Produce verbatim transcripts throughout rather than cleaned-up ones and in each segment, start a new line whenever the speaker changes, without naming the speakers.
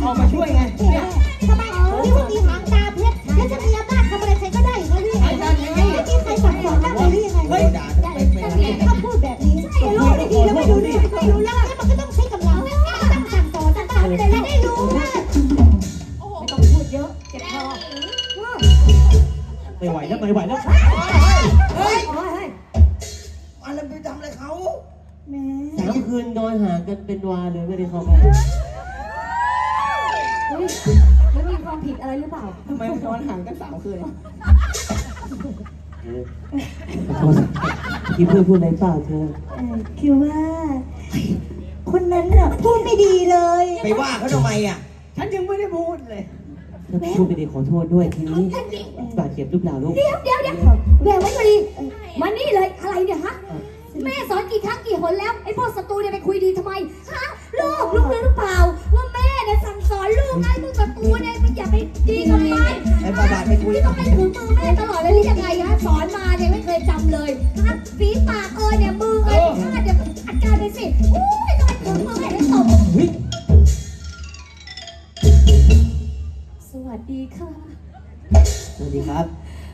อกมาช่วยไงเนี่ย
ทำไมนี่ว่ามีหางตาเพชรแล้วจะมีอำนาจทำอะไรใครก็ได้เหรอพี่ไม่มีใครสั่งสอนได้เลยหรือยังไงเฮ้ยถ้าพูดแบบนี้รู้ดีแล้วไม่รู้ดีไม่รู้แล้วมันก็ต้องใช้กำลังต้องสั่งสอนต่างๆแต่ละได้รู้ว่าไม่ต้องพูดเยอะเจ็บคอ
ไม่ไหวแล้วไม่ไหวแล้ว
เฮ้ย
โอ้ย
อะไรไปทำอะไรเขา
แม่
สามคืนนอนหากันเป็นวาเลยไม่ได้เข้าไป
ไม่มีความผิดอะไรหรือเปล่า
ทำไมนอนห่างกันสามคืน
เออขอโทษที่เพื่อนพูดอะไรเปล่าเธอ
คือว่า คนนั้นน่ะพูดไม่ดีเลย
ไปว่าเขาทำไมอ่ะ
ฉันยังไม่ได้พูดเลย
ถ้าพูดไปดีขอโทษด้วยทีนี้บาดเจ็บหรือเปล่าลูก
เดี๋ยวเดี๋ยวเดี๋ยวแหววไว้พอดีมานี่เลยอะไรเนี่ยฮะแม่สอนกี่ครั้งกี่หนแล้วไอ้พวกศัตรูเนี่ยไปคุยดีทำไมฮะลูกลูกรู้หรือเปล่าว่าแม่เนี่ยสั่งสอนลูกไอ้พวกศัตรูเนี่ยมันอย่าไปดีกับมัน
ไอ้บาบาไปคุย
ที่ต้องให้ถือมือแม่ตลอดเลยหรือยังไงฮะสอนมาเนี่ยไม่เคยจำเลยฮะฝีปากเออเนี่ยมือเออชาติเนี่ยจัดการไปสิโอ้ยทำไมถือมือแม่ได้ตบสวัสดีค่ะ
สวัสดีครับ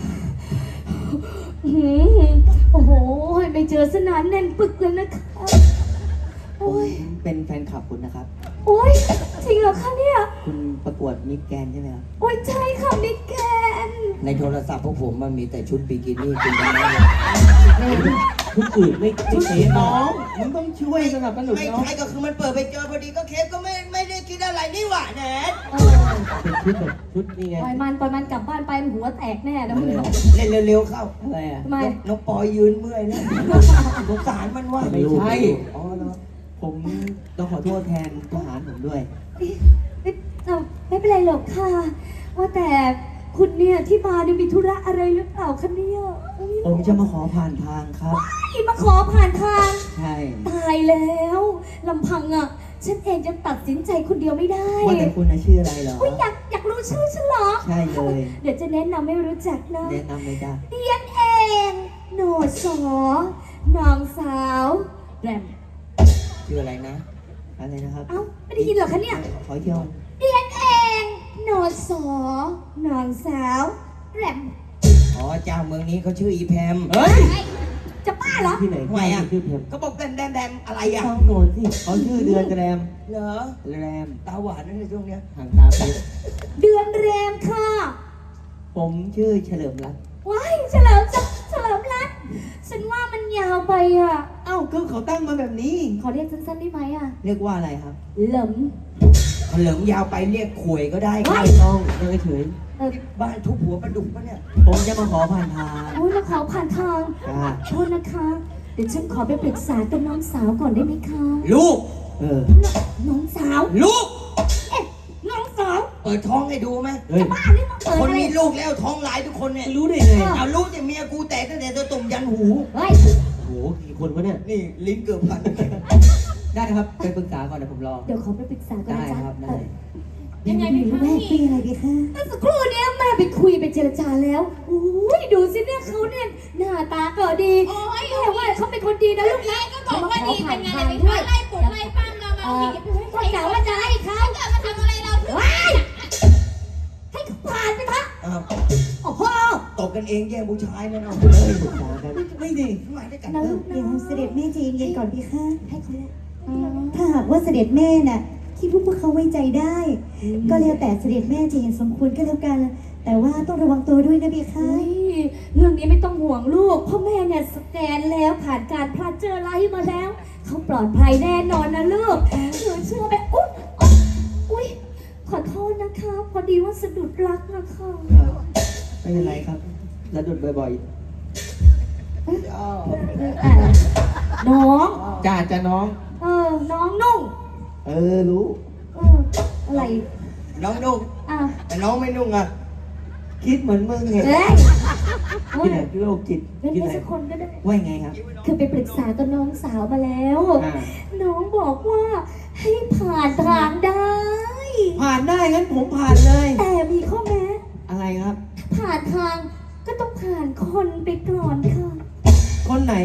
หืมโอ้โหไปเจอสนานแน่นปึกเลยนะคะ
ผ
โอ้ย
มเป็นแฟนคลับคุณนะครับ
โอ้ยจริงเหรอคะเนี่ย
คุณประกวดมิสแกรนด์ใช่ไหมครับ
โอ้ยใช่ค่ะมิแกน
ในโทรศัพท์พวกผมมันมีแต่ชุดบิกินี่คุณได้ไหม
ทุกอื่นไม่ไม่เทส
น้
น้
อ
อง
งมึงต้องช่วยสนับสนุน
ไม่
น้อง
ใช่ก็คือมันเปิดไปเจอพอดีก็เคสก็ไม่ไม่ได้คิดอะไรนี่หว่าแนท
เออ
เป็นชุดแบบชุดนี่ไง
ปล่อยมันปล่อยมันกลับบ้านไปมันหัวแตกแน่นะมึง
เล่นเร็วๆเข้า
อะไรอ่ะ
ทำไม
น้องปอยยืนเมื่อยแล้วสงสารมันว่า
ไม่ใช่
อ๋อเนาะผมต้องขอโทษแทนทหารผมด้วย
ไม่เอาไม่เป็นไรหรอกค่ะ ว่าแต่คุณเนี่ยที่มาเนี่ยมีธุระอะไรหรือเปล่าคะเนี่ยอุ๊ย
ผมจะมาขอผ่านทางครับ
นี่มาขอผ่านทาง
ใช่
ตายแล้วลำพังอ่ะฉันเองจะตัดสินใจคนเดียวไม่ได้
ว่าแต่คุณน่ะชื่ออะไรเหรอ
อุ๊ยอยากอยากรู้ชื่อฉันเหรอ
ใช่เลย
เดี๋ยวจะแนะนำให้รู้จักนะ
แนะนำเลยจ้ะ
เดียนเองโหนดสอนางสาวแรม
ชื่ออะไรนะ
อะไรนะครับ
เอ้าไม่ได้ยินเหรอคะเนี่ย
ขอเที่ยว
เดียนเองโหนดสอนางสาวแรม
อ๋อเจ้าเมืองนี้เขาชื่ออีแพม
เฮ้ย
ไอ้จะบ้าเหรอ
ที่ไหน
ทำไมอ่ะ
ชื่อเพียม
ก็บอกแดมแดมแดมอะไรอ่ะ
ต้องโดนสิเขาชื่อเดือนแรม
เหรอ
แรม
ตาหวานนั่นในช่วงเนี้ย
ห่างตาเพชร
เดือนแรมค่ะ
ผมชื่อเฉลิมรัตน์
ว้ายเฉลิมจะเฉลิมรัตน์ฉันว่ามันยาวไปอ่ะ
เอ้าก็เขาตั้งมาแบบนี้
ขอเรียกสั้นๆได้ไหมอ่ะ
เรียกว่าอะไรครับ
เหลิม
เหลิมยาวไปเรียกขวยก็ได้
เฮ้
ไม่ต้องยังเฉย
เออ
บ้านทุบหัวปลาดุกปะเนี่ย
ผมจะมาขอผ่านทาง
โอ้ยมาขอผ่านทาง
จ้า
โทษนะคะ เดี๋ยวฉันขอไปปรึกษากับน้องสาวก่อนได้ไหมคะ
ลูก
เออ
น้องสาว
ลูก
เอ๊ะน้องสาว
เปิดท้องให้ดูไหม
เฮ้ย
บ้านี่มาเปิด
คน
อะไร
มีลูกแล้วท้องหลายทุกคนเนี่ย
รู้ได้ไง
เอาลูกแต่เมียกูแตกตั้งแต่ตัวตุ่มยันหู
เฮ้ย
โหกี่คนวะเนี่ย
นี่ลิ้นเกือบพัน
ได้ครับ ไปปรึกษาก่อนเดี๋ยวผมรอ
เดี๋ยวขอไปปรึกษาก่อน
ได้
นะจ๊ะ
ครับ ได้
ยังไงดีคะแม่คุยอะไรดีคะ
เมื่อสักครู่เนี้ยแม่ไปคุยไปเจรจาแล้วอุ้ยดูสิเนี่ยเขาเนี่ยหน้าตาก็ดีแม่ว่าเขาเป็นคนดีนะลูกนะ
ก็บอกว่าดีเป็นไงเลยไปไล่ปลุกไล่ปั้มเรามา
เออ
อย่าไปให้ใค
ก็
ร
กะว่าจะไล่เขา
เกิดมาทำอะไรเรา
ว้ายให้เขาผ่านไปเถอะ
อ้าว
โอ้โห
ตบกันเองแย่งผู้ชายนั่นเอา
เฮ้ยปรึกษากัน
ไม่ดีมาด้วยกัน
นะ
เอ
ลู
อก
นะ
เดี๋ยวเสด็จแม่ใจเย็นๆก่อนพี่คะ
ให้เขาเลย
ถ้าหากว่าเสด็จแม่น่ะคิดว่าพวกเขาไว้ใจได้ ก็แล้วแต่เสด็จแม่จะเห็นสมควรก็แล้วกัน แต่ว่าต้องระวังตัวด้วยนะพี่คะ
เฮ้ยเรื่องนี้ไม่ต้องห่วงลูกเพราะแม่เนี่ยสแกนแล้วผ่านการพลาดเจอไลท์มาแล้ว เขาปลอดภัยแน่นอนนะลูกหนูเชื่อไปอุ๊ยอุ๊ยอุ๊ยขอโทษนะคะ พอดีว่าสะดุดรักนะคะ
ไม่เป็นไรครับแล้วดุดบ่อย
อ้าว
อ่ะน้อง
ๆจ้าจ้าน้อง
เออ น้องนุ่ง
เออ รู้
เออ อะไร
น้องนุ่ง
อ่ะ
แต่น้องไม่นุ่งอ่ะ
คิดเหมือนมึงไง
เอ้ยเอ้
ที่
ย
ไหนโรคจิต
เป็น
ที่
แค่
ไหน
สักคนก็ได้
ว่าไงครับ
คือไปปรึกษากับน้องสาวมาแล้ว
อ่า
น้องบอกว่าให้ผ่านทางได้
ผ่านได้งั้นผมผ่านเลย
แต่มีข้อแม้
อะไรครับ
ผ่านทางก็ต้องผ่านคนไปก่อนค่ะ
คนไหน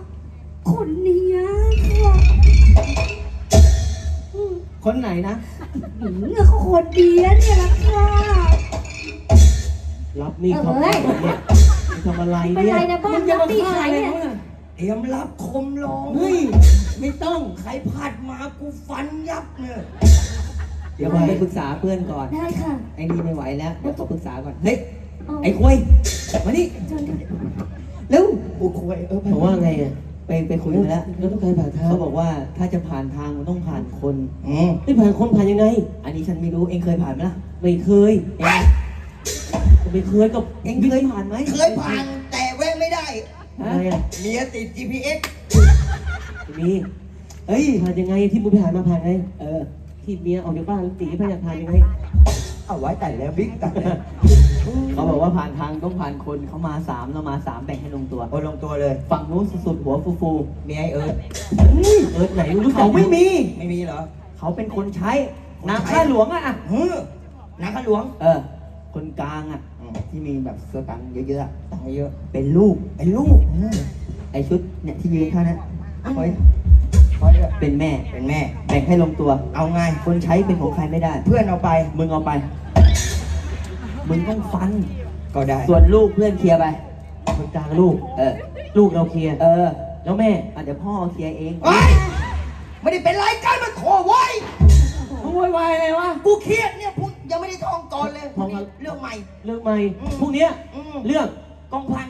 คนเนี้ยค่ะอืม
คนไหนนะ
คหืมเขาคนดีนะเนี่ยละค่ะ
รับนี่เขา
เอ้ย
เนี่ยมึงทำอะไร
เป็น
เนี่ย
ไรนะบ้านรับตีใครเนี่ย
เตรียมรับคมลง
เฮ้ย ไม่ต้อง
ใครผัดมากูฟันยับเนี่ย
เดี๋ยวผมไปปรึกษาเพื่อนก่อน
ได้ค่ะ
ไอ้นี่ไม่ไหวแล้วเดี๋ยวขอปรึกษาก่อนเฮ้ย
เอา
ไอ้ควยมานี่
เชิญค่ะ
เร็ว
กูคุยเออ
บอกว่าไงอ่ะไปไปคุยมาแล้ว
แล้วต้องการผ่านทาง
เขาบอกว่าถ้าจะผ่านทางมันต้องผ่านคน
อืม
ไม่ผ่านคนผ่านยังไง
อันนี้ฉันไม่รู้เองเคยผ่านไหมล่ะ
ไม่เคย
เอง
ไม่เคยกับ
เองเคยผ่านไหม
เคยผ่านแต่แวะไม่ได้
อะไรอ่ะ
เมียติด จี พี เอส
มีเฮ้ยผ่านยังไงที่มึงไปหามาผ่านไงเออที่เมียออกจากบ้านแล้วตีผ่านผ่านยังไง
เอาไว้แต่แล้วบิ๊กตัดเลย
เขาบอกว่าผ่านทางต้องผ่านคนเขามาสามเรามาสามแบ่งให้ลงตัว
โอ้ลงตัวเลย
ฝั่งนู้นสุดๆหัวฟู
เมียไอเอิร์ธ
เฮ้ยเออไหนมึงรู้เขาไม่มี
ไม่มีเหรอ
ๆเขาเป็นคนใช้นางข้าหลวงอะอะ
เฮ้อนักข้าหลวง
เออ คนกลางอะที่มีแบบสตังค์เยอะๆอะ
ตังค์เยอะ
เป็นลูก
ไอ้ลูก
ไอชุดเนี่ยที่ยืนข้างนั้น
คอยคอยด้วย
เป็นแม่
เป็นแม่
แบ่งให้ลงตัว
เอาไง
คนใช้เป็นของใครไม่ได้
เพื่อนเอาไป
มึงเอาไป มึงต้องฟัน
ก็ได้
ส่วนลูกเพื่อนเคลียร์ไป
คนกลางลูก
เออ
ลูกเราเคลียร์
เออ
แล้วแม่
อ่ะเดี๋ยวพ่อเคลียร์เอง
เฮ้ยไม่ได้เป็นรายการมาขอไว้
มึงโวยวายอะไรวะ
กูเครียดเนี่ยพูดยังไม่ได้ท่องก่อนเลย
ท่องอะไร
เรื่องใหม่
เรื่องใหม่
อืม
พวกเนี้ย
อืม
เรื่อง
กองพัน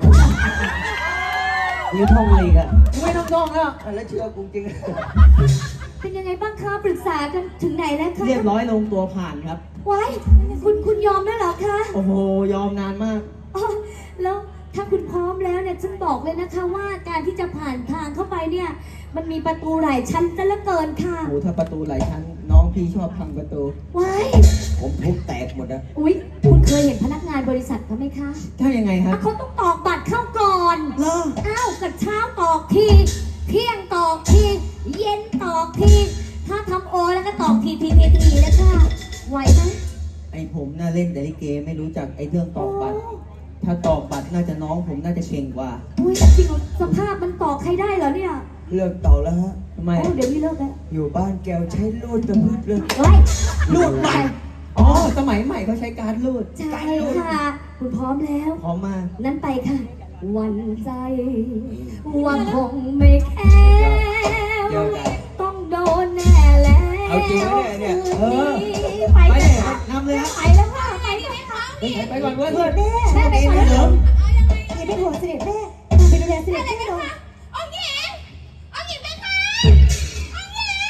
นี่ท่องอะไรอีกันไม่ต้องท่องแล้ว
อ่ะแล้วเชื่อกูจริง
เป็นยังไงบ้างคะปรึกษากันถึงไหนแล้วคะ
เรียบร้อยลงตัวผ่านครับ
ว้ายคุณคุณยอมแล้วเหรอคะ
โอ้โห ยอมนานมาก
อ๋อแล้วถ้าคุณพร้อมแล้วเนี่ยฉันบอกเลยนะคะว่าการที่จะผ่านทางเข้าไปเนี่ย มันมีประตูหลายชั้นซะเหลือเกินค่ะ
โอ้ถ้าประตูหลายชั้น น้องพี่ชอบทำประตู
ว้าย
ผมทุบแตกหมดนะ
อุ๊ยคุณเคยเห็นพนักงานบริษัทเขาไหมคะ
ถ้ายังไงครับ
เขาต้องตอกบัตรเข้าก่อน
เหรอ
อ้าวกับเช้าตอกที เที่ยงตอกที เย็นตอกที ถ้าทำโอแล้วก็ตอกทีทีทีทีแล้วค่ะ ไหวไหม
ไอผมน่าเล่นแต่ลิเกไม่รู้จักไอเรื่องตอกบัตร ถ้าตอกบัตรน่าจะน้องผมน่าจะเก่งกว่า
อุ้ยจริงเหรอสภาพมันตอกใครได้เหรอเนี่ย
เลิกต่อแล้วฮะ
ทำไม
โอ้เดี๋ยวนี้เลิกแล้ว
อยู่บ้านแกวใช้รูดตะพืดเลย
เฮ้ย
ลูดบัตรอ๋อ สมัยใหม่เขาใช้การลูด
ใช่ค่ะ คุณพร้อมแล้ว
พร้อมมา
นั้นไปค่ะ วันใจว่าคงไม่แค่
เดี๋ยวได้
ต้องโดนแน่แล้ว
เอาจริงไหมเนี่ยเนี่ย
เออ
ไป
ไป
เล
เลย ย
ค่ะ
นำเลยครับ
ไปแล้วค่ะไปเลยค่ะ
ไปก่อนเพื่อน
เกิดแม่
แม่ไปก่อน
เสริม
อย่าไปห่วงเสด็จแม่มาไปดูแลเสด็จแม่หน่อย
องค์หญิงองค์หญิงเป็นใครองค์หญิง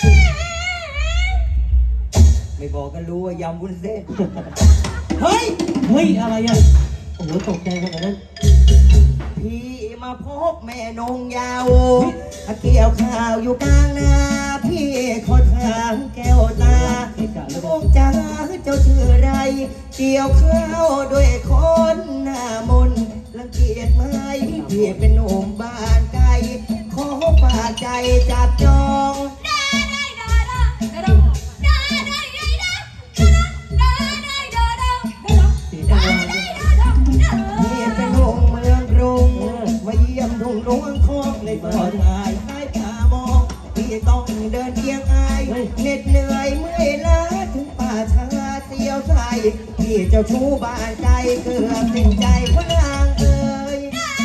ไม่บอกก็รู้ว่ายำวุ้นเส้น เฮ้ย
เฮ้ยอะไรอ่ะโอ้โหตกใจขนาดนั้น
พี่มาพบแม่นงยาวเกี่ยวข้าวอยู่กลางนา พี่ขอทางแก้วตาลูกจ๋าเจ้าชื่ออะไร เกี่ยวข้าวด้วยคนหน้ามนต์รังเกียจไหมพี่เป็นหนุ่มบ้านไกล ขอฝากใจจับจอง พี่เป็นหนุ่มเมืองกรุงมาเยี่ยมทุ่งหลวงทองในซอยชายใต้ตามองพี่ต้องเดินเอียงอายเหน็ดเหนื่อยเมื่อยล้าถึงป่าช้าเสียวใสพี่เจ้าชู้บ้านใจเกือบสิ้นใจพระนางเอ่ย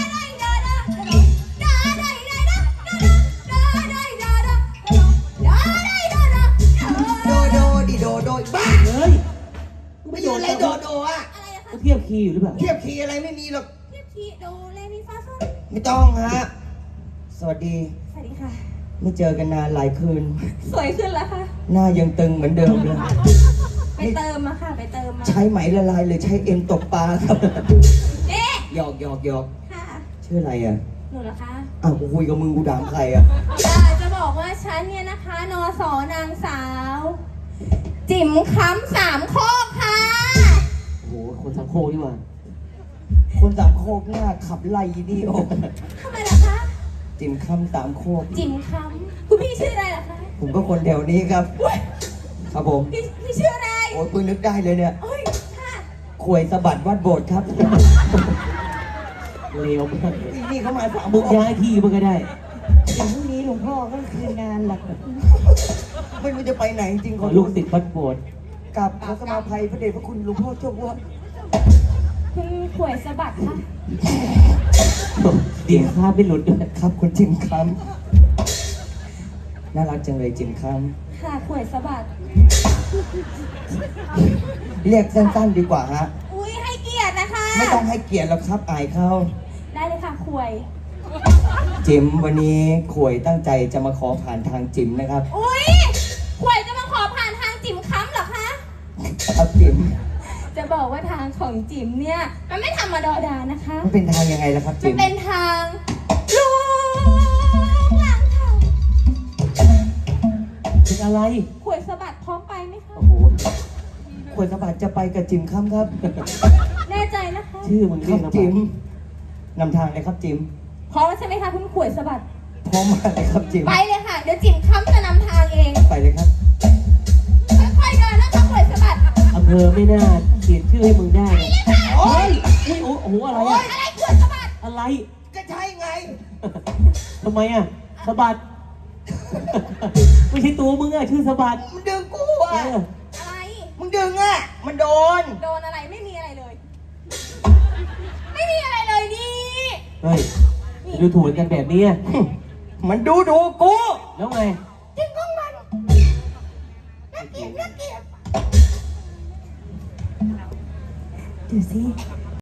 โดโดดิโดโดบ้า
เฮ้ย
ไม่อยู่อะไรโดโดอ่ะ
ก็เทียบคีย์อยู่หรือเปล่า
เทียบคีย์อะไรไม่มีหรอก
เทียบทีดูเลมิฟาโซ
ไม่ต้องฮะสวัสดี
สวัสดีค่ะ
ไม่เจอกันนานหลายคืน
สวยขึ้นแล้วค่ะ
หน้ายังตึงเหมือนเดิมเลย
ไปเติมมาค่ะ ไปเติมมา
ใช้ไหมละลายหรือใช้เอ็นตกปลาครับ
เอ๊ะ
หยอกหยอกหยอก
ค่ะ
ชื่ออะไรอ่ะ
หนูเหรอคะ
อ้าวกูคุยกับมึงกูถามใครอ่ะ
จะจะบอกว่าฉันเนี่ยนะคะ นอสอนางสาว จิ๋มค้ำสามโคกค่ะ
โอ้โหคนสังโคกนี่หว่า
คนสามโคกหน้าขับไล่นี่โอ้
ทำไมล่ะคะ
จิมคำสามโคก
จิ๋มค้ำคุณพี่ชื่ออะไรล่ะคะ
ผมก็คนแถวนี้ครับ ครับผม
พี่พี่ชื่ออะไร
โอ้ยเพิ่งนึกได้เลยเนี่ย
โอ้ยค่ะ
ขวยสะบัดวัดโบสถ์ครับ
เร็วมาก
นี่เขามาสาม
มึ
โม
ง
ง
ย้ายที่มันก็ได้
อย่างพรุ่งนี้หลวงพ่อก็คืนงานหลัก
ไม่รู้จะไปไหนจริงๆ
ขอลูกศิษย์วัดโบสถ์
กับขอสมาภัยพระเดชพระคุณหลวงพ่อเจ้าอ้วน
คุณข่วยสะบัดค่ะ
ดีค่าไม่หลุดด้วย
ครับคุณจิมคำน่ารักจังเลยจิมค
ค่ะข่วยสะบัด
ำเรียกสั้นๆดีกว่าฮะ
อุ้ยให้เกียรตินะคะ
ไม่ต้องให้เกียรติหรอกครับอายเขา
ได้เลยค่ะข่วย
จิมวันนี้ขวยตั้งใจจะมาขอผ่านทางจิมนะครับ
อุ้ยข่วยจะมาขอผ่านทางจิ๋มค้ำเหรอคะ
ครับจิม
จะบอกว่าทางของจิ๋มเนี่ย มันไม่ธรรมดานะคะ
มันเป็นทางยังไงล่ะครับ
มั
จิ
น
ม
เป็นทางลูกหลังค่ะ
เป็นอะไร
ข่วยสะบัดพร้อมไปไหมคะ
โอ้โห
ขวยสะบัดจะไปกับจิมคำครับ
แน่ใจนะคะ
ชื่อมึง
ค
เรี
รั
ย
บ
กนะ
จิมนำทางเลยครับจิม
พร้อมแล้วใช่ไหมคะคุณข่วยสะบัด
พร้อมมากเลยครับจิม
ไปเลยค่ะ เดี๋ยวจิ๋มค้ำจะนำทางเอง
ไปเลยครับ
ค่อยๆเดินนะคะข่วยสะบัด
อำเภอไม่น่าเขียนชื่อให้มึงได้เลยโอ้ยอุ้ยโอ้โหอะไร
โอ๊
อะ
ยอะไรข่วยสะบัด
อะไร
ก็ใช่ไง
ทำไมอะสะบัด ไม่ใช่ตัวมึงอะชื่อสะบัด
มันดึงกู
เอ
อ่ะ
อ
อะไร
มึงดึงอ่ะ มันโดน
โดนอะไรไม่มีอะไรเลย ไม่มีอะไรเลยนี่
เฮ้ยดูถูกกันแบบนี้อะ
มันดูดูกู
แล้วไง
จริงของมันน่าเกลียดน่าเกลียด
ดูสิ